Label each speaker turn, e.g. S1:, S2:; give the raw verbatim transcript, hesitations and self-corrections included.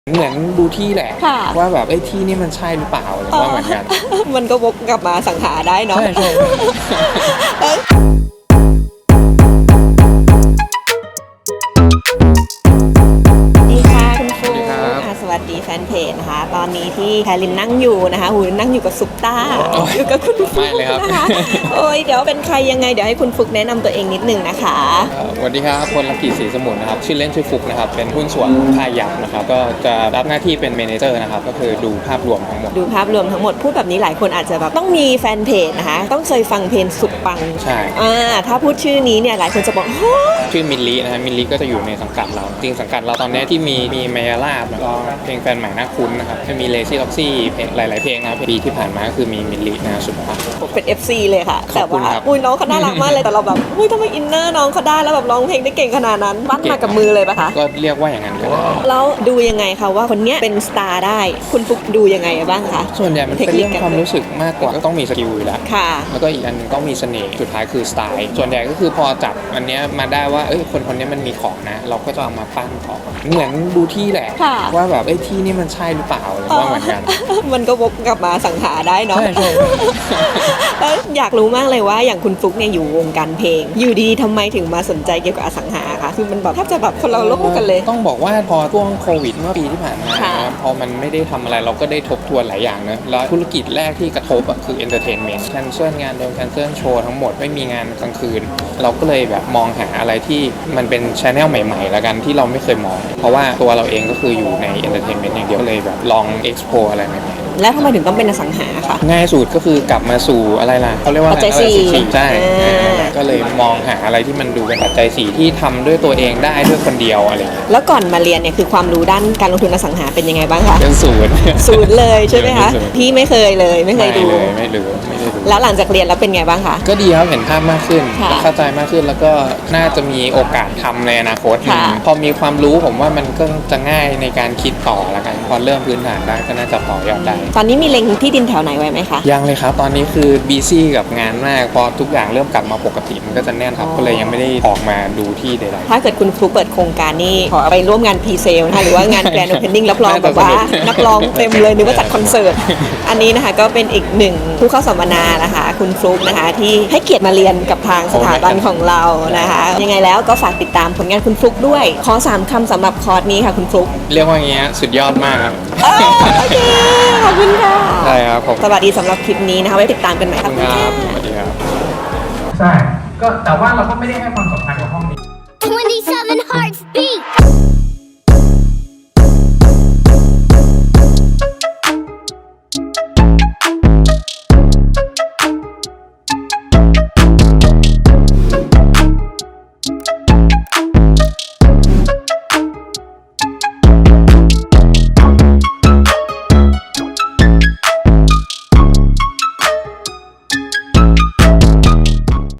S1: เหมือนดูที่แหละว่าแบบไอ้ที่นี่มันใช่หรือเปล่าหรือว่าเหมือนกัน
S2: มันก็วกกลับมาสังหาได้เนาะ
S1: ใช่ใช่
S2: สวัสดีแฟนเพจนะคะตอนนี้ที่แพรินนั่งอยู่นะคะหูนั่งอยู่กับซุปตาอยู่กับคุณฟุกนะคะโอ้ยเดี๋ยวเป็นใครยังไงเดี๋ยวให้คุณฟุกแนะนำตัวเองนิดนึงนะคะ
S1: สวัสดีครับพลลักกี้ศรีสมุนนะครับชื่อเล่นชื่อฟุกนะครับเป็นหุ้นส่วนค่ายยักษ์นะครับก็จะรับหน้าที่เป็นเมเนเจอร์นะครับก็คือดูภาพรวมทั้งหมด
S2: ดูภาพรวมทั้งหมดพูดแบบนี้หลายคนอาจจะแบบต้องมีแฟนเพจนะคะต้องเคยฟังเพลงสุดปัง
S1: ใช่
S2: อ่าถ้าพูดชื่อนี้เนี่ยหลายคนจะบอก
S1: ชื่อมิลลินะฮะมิลลิก็จะอยู่ในสังกัดเราจริงสังกัดเราตอนนี้ที่มีมีเมยาลาบแล้วก็เพลงแฟนใหม่น่าคุ้นนะครับจะมีเลซี่ล็อกซี่เพลงหลายๆเพลงนะปีที่ผ่านมาก็คือมีมิลลินะสุดปัง
S2: เป็น เอฟ ซี เลยค่ะแต่ว่าอุ้ยน้องเขาน่ารักมากเลยแต่เราแบบอุ้ยทำไมอินเนอร์น้องเขาได้แล้วแบบร้องเพลงได้เก่งขนาดนั้นปั้นมากับมือเลยปะคะ
S1: ก็เรียกว่าอย่างนั้นก็ได้
S2: แล้วดูยังไงคะว่าคนนี้เป็นสตาร์ได้คุณฟุกดูยังไงบ้างคะ
S1: ส่วนใหญ่มันเป็นเรื่องความรู้สึกมากกว่าก็ต้องมีสกิลอยู่แล้ว
S2: ค่ะ
S1: แล้วก็อีกอันต้องมีเสน่ห์สุดท้ายคือสไตล์ส่วนใหญ่ก็คือพอจับอันนี้มาได้ว่าเอ้ยคนคนนี้มันมีของนะเราก็จะเอามาปั้นของเหมือนดูที่แหละว่าแบบไอ้ที่นี่มันใช่หรือเปล่าหรือว่าเหมือนกัน
S2: มันก็วกกลับมาสังหาได้เนาะ
S1: ใช่ใช่
S2: แล้วอยากรู้มากเลยว่าอย่างคุณฟุกเนี่ยอยู่วงการเพลงอยู่ดีๆทำไมถึงมาสนใจเกี่ยวกับอสังหาคะคือมันแบบแทบจะแบบคนเราโลกกันเลย
S1: ต้องบอกว่าพอช่วงโควิดเมื่อปีที่ผ่านมาพอมันไม่ได้ทำอะไรเราก็ได้ทบทวนหลายอย่างนะแล้วธุรกิจแรกที่กระทบอ่ะคือเอนเตอร์เทนเมนต์แคนเซิลงานโดนแคนเซิลโชว์ทั้งหมดไม่มีงานกลางคืนเราก็เลยแบบมองหาอะไรที่มันเป็นชแนลใหม่ๆแล้วกันที่เราไม่เคยมองเพราะว่าตัวเราเองก็คืออยู่ในเอนเตอร์เทนเมนต์อย่างเดียวก็เลยแบบลองเอ็กซ์โพอะไรใหม่
S2: ๆแล้วทำไมถึงต้องเป็นอสังหาคะ
S1: ง่ายสุดก็คือกลับมาสู่อะไรล่ะเขาเรียกว่า
S2: ปัจจัยสี่
S1: ใช่ก็เลยมองหาอะไรที่มันดูเป็นปัจจัยสี่ที่ทำด้วยตัวเองได้ด้วยคนเดียวอะไรอย่างเงี้ย
S2: แล้วก่อนมาเรียนเนี่ยคือความรู้ด้านการลงทุนอสังหาเป็นยังไงบ้างคะ
S1: เป็นศูนย์
S2: ศูนย์เลยใช่ไหมคะพี่ไม่เคยเลยไม่เคยดู
S1: ไม่เลยไม่ได้ดู
S2: แล้วหลังจากเรียนแล้วเป็นไงบ้างคะ
S1: ก็ดีครับเห็นภาพมากขึ้นเข้าใจมากขึ้นแล้วก็น่าจะมีโอกาสทำในอนาคตพอมีความรู้ผมว่ามันก็จะง่ายในการคิดต่อแล้วกันพอเริ่มพื้นฐานได้ก็น่าจะต่อยอดได้
S2: ตอนนี้มีเล็งที่ดินแถวไหนไว้ไหมคะ
S1: ยังเลยครับตอนนี้คือบีซี่กับงานมากพอทุกอย่างเริ่มกลับมาปกติมันก็จะแน่นครับก็เลยยังไม่ได้ออกมาดูที่ใด
S2: ๆถ้าเกิดคุณฟลุ๊กเปิดโครงการนี่ขอไปร่วมงานพรีเซลนะคะหรือว่างานแกรนด์โอเพนนิ่งรับรองแบบว่านักร้องเต็มเลยนึกว่าจัดคอนเสิร์ตอันนี้นะคะก็เป็นอีกหนึ่งผู้เข้าสัมมนานะคะคุณฟลุ๊กนะคะที่ให้เกียรติมาเรียนกับทางสถาบันของเรานะคะยังไงแล้วก็ฝากติดตามผลงานคุณฟลุ๊กด้วยขอสามคำสำหรับคอร์สนี้ค่ะคุณฟลุ๊ก
S1: เรียกว่าอย่างเงี้ยสุดยอดมากครับ
S2: โอเคขอบคุณค่ะ
S1: ใช่ครับผม
S2: สวัสดีสำหรับคลิปนี้นะคะไว้ติดตามกันใหม่ครับ
S1: สวัสดีครับใช่ก็แต่ว่าเราก็ไม่ได้ให้ความสำคัญกับห้องนี้
S3: twenty-seven hearts beat